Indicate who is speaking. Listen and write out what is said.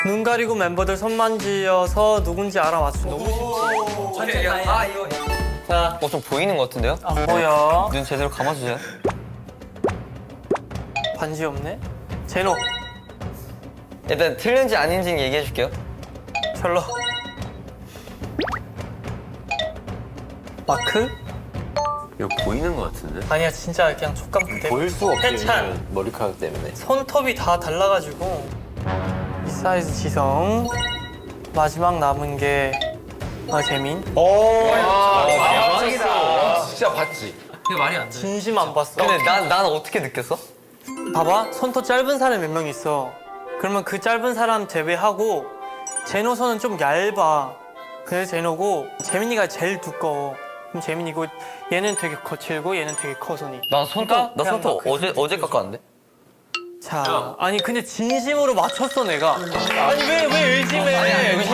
Speaker 1: 눈 가리고 멤버들 손 만지어서 누군지 알아맞추. 너무 쉽지.
Speaker 2: 이거.
Speaker 1: 자,
Speaker 3: 좀 보이는 것 같은데요?
Speaker 1: 안 보여.
Speaker 3: 눈 제대로 감아주세요.
Speaker 1: 반지 없네. 제노,
Speaker 3: 일단 틀린지 아닌지 얘기해 줄게요.
Speaker 1: 철러. 마크?
Speaker 4: 이거 보이는 것 같은데?
Speaker 1: 아니야, 진짜 그냥 촉감 그대로.
Speaker 4: 보일 수가 없지.
Speaker 1: 해찬.
Speaker 4: 왜냐면 머리카락 때문에.
Speaker 1: 손톱이 다 달라가지고. 이 사이즈 지성. 마지막 남은 게 재민.
Speaker 4: 대박이다. 진짜 봤지?
Speaker 2: 이거 말이 안 돼.
Speaker 1: 진심 안 봤어.
Speaker 3: 근데 난 어떻게 느꼈어?
Speaker 1: 봐봐, 손톱 짧은 사람이 몇 명 있어. 그러면 그 짧은 사람 제외하고 제노 손은 좀 얇아. 그래서 제노고 재민이가 제일 두꺼워. 그럼 재민이고 얘는 되게 거칠고 얘는 되게 커 손이.
Speaker 3: 나 손톱
Speaker 1: 그냥 막
Speaker 3: 어제 깎았는데?
Speaker 1: 자, 아니 근데 진심으로 맞췄어 내가. 아니 왜 의심해?